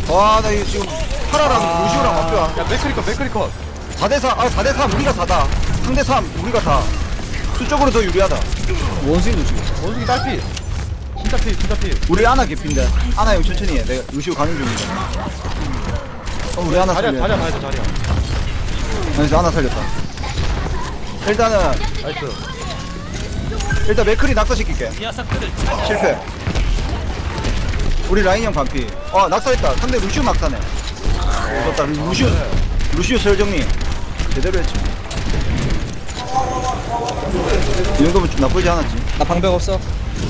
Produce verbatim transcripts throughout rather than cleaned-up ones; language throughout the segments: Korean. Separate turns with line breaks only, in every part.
와, 나 이거 지금 파라랑
아.
루시오랑 맞죠?
야 맥크리컷 맥크리컷.
사 대 사, 아, 사 대 삼, 우리가 사다. 삼 대 삼, 우리가 사. 수적으로 더 유리하다.
원숭이 누지.
원숭이 딸피. 진짜 피 진짜 피.
우리 아나 개핀데. 아나 형 천천히 해. 내가 루시오 가는 중인데. 어, 우리 아나
자리야
살려.
자리야 가야돼 자리야.
그래서 아나 살렸다. 일단은,
나이스.
일단 맥크리 낙사시킬게. 실패. 우리 라인 형 반피. 아, 낙사했다. 상대 루시오 낙사네. 오, 좋다. 루시오, 루시오 설정리. 제대로 했지. 이 정도면 좀 나쁘지 않았지.
나 방벽 없어.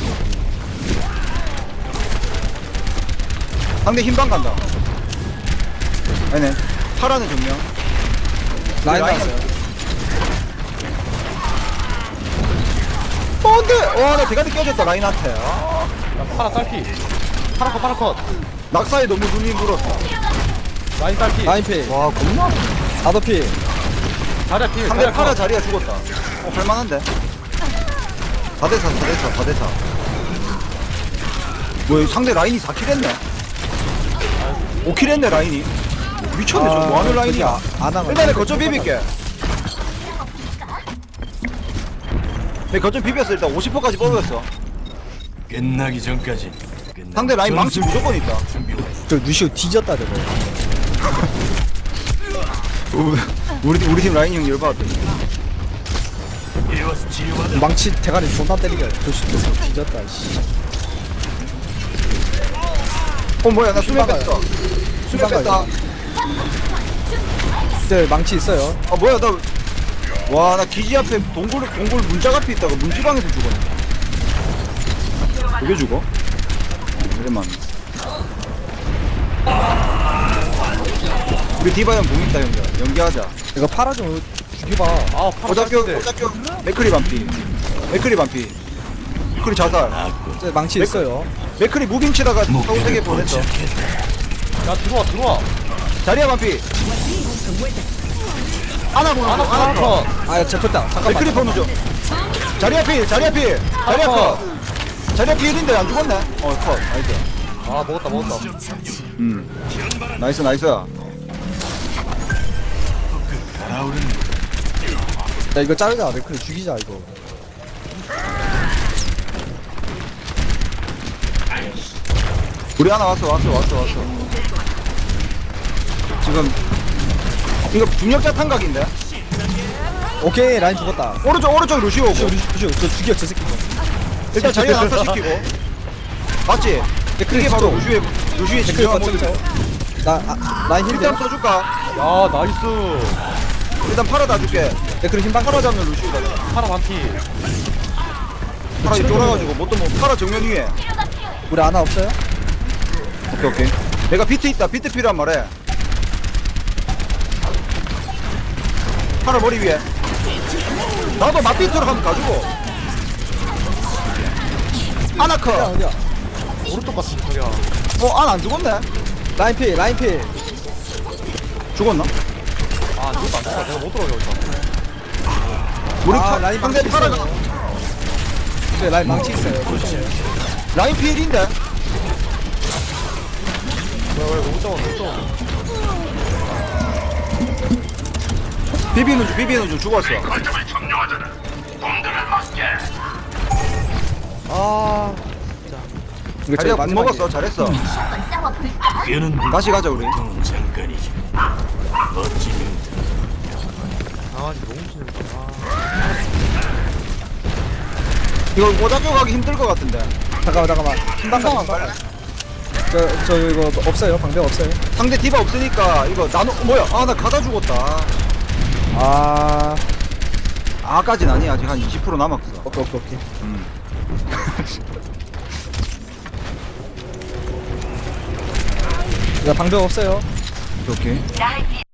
상대 흰방 간다. 아니네. 파라는 정면.
라인
라인
나왔어요.
어, 안 돼! 와, 나 대가리 깨졌다, 라인한테. 아,
야 파라 딸피. 파라컷 파라컷.
낙사에 너무 눈이 물었어.
라인 딸피.
라인 피.
와, 겁나.
나도 피.
자리야 피.
상대 파라 자리가 죽었다. 어, 할만한데? 사 대 사, 사 대 사, 사 대 사. 뭐야, 상대 라인이 사 킬 했네? 오 킬 했네, 라인이. 미쳤네, 저 뭐하는 라인이야.
안 하면.
일단은 거점 비빌게. 내 거점 비볐어. 일단 오십 퍼센트까지 뽑았어.
끝나기 전까지 끝나.
상대 라인 망치 무조건 있다.
저 루시오 뒤졌다 저거.
우리, 우리 팀 라인 형 열받았다.
이와서 치유받아.
망치 대가리 존나 때리게. 조심 뒤졌다. 씨.
어, 뭐야, 나 수면
신방가요.
뺐어. 수면 뺐다.
네 망치 있어요.
아, 뭐야, 나. 와, 나 기지 앞에 동굴, 동굴 문짝 앞에 있다가 문지방에서 죽었네. 그게 죽어? 오랜만. 우리 디바 형 공 있다, 형들. 연기하자.
이거 팔아 좀 죽여봐.
아 파라
오작교,
딸피인데.
오작교. 맥크리 반피. 맥크리 반피. 맥크리 자살.
저 망치
맥-
있어요.
맥크리 무빙치다가 사고 세개 보냈어.
야 들어와 들어와.
자리야 반피. 하나 보는
하나
중, 하나 컷.
파라컷.
아 잡혔다. 잠깐만.
맥크리 보는 중. 자리야 필, 자리야 필. 자리야 컷. 자리야 필인데 안 죽었네. 어, 컷. 나이스.
아 먹었다 먹었다.
음. 나이스, 나이스.
달아오르는
야 이거 자르자. 맥크리 죽이자 이거.
우리 하나 왔어, 왔어, 왔어, 왔어. 지금 이거 중력자 탄각인데?
오케이 라인 죽었다.
오른쪽, 오른쪽 루시오 오고.
루시오 루시오 저 죽여 저 새끼.
일단 자리가 낙사시키고. 맞지?
맥크리
이게 바로
쪽.
루시오의 루시오의
맥크리
진정한
거점
모습.
나 아, 라인 힐
일단
돼.
써줄까?
야 나이스.
일단 팔아 다 줄게.
맥크리 힘방
팔아 잡는 루시오다.
파라 반피.
팔아 쫄아가지고 못 도뭐 팔아 정면 위에.
우리 아나 없어요?
오케이, 오케이. 내가 비트 있다. 비트 필요한 말해. 팔아 머리 위에. 나도 맞비트로 하면 가지고.
어디야
아나커.
어디야?
오른쪽 같은 소리야.
어, 안 안 죽었네.
라인 피 라인 피.
죽었나?
아 이것도 안 죽어. 내가 못 들어가 여기서.
우리
아,
파,
라인
상대
망치
파라가
있어요. 네 라인 망치 있어요. 조심해.
라인 필인데.
왜왜못 잡아 못 잡아.
비비는 중, 비비는 중 죽었어.
아
이거
자리야
제일
못
마지막이에요.
먹었어. 잘했어.
뼈는
다시 가자 우리.
보통은 잠깐이지. 멋진
강아지 너무 치는구나.
이거 오작교 가기 힘들 것 같은데.
잠깐만 잠깐만. 힘방 가.
빨리.
저, 저 이거 없어요. 방벽 없어요.
상대 디바 없으니까 이거 나노 뭐야? 아, 나 가다 죽었다.
아
아까진 아니 아직 한 이십 퍼센트 남았어.
오케이 오케이 오케이.
음.
야 방벽 없어요.
오케이.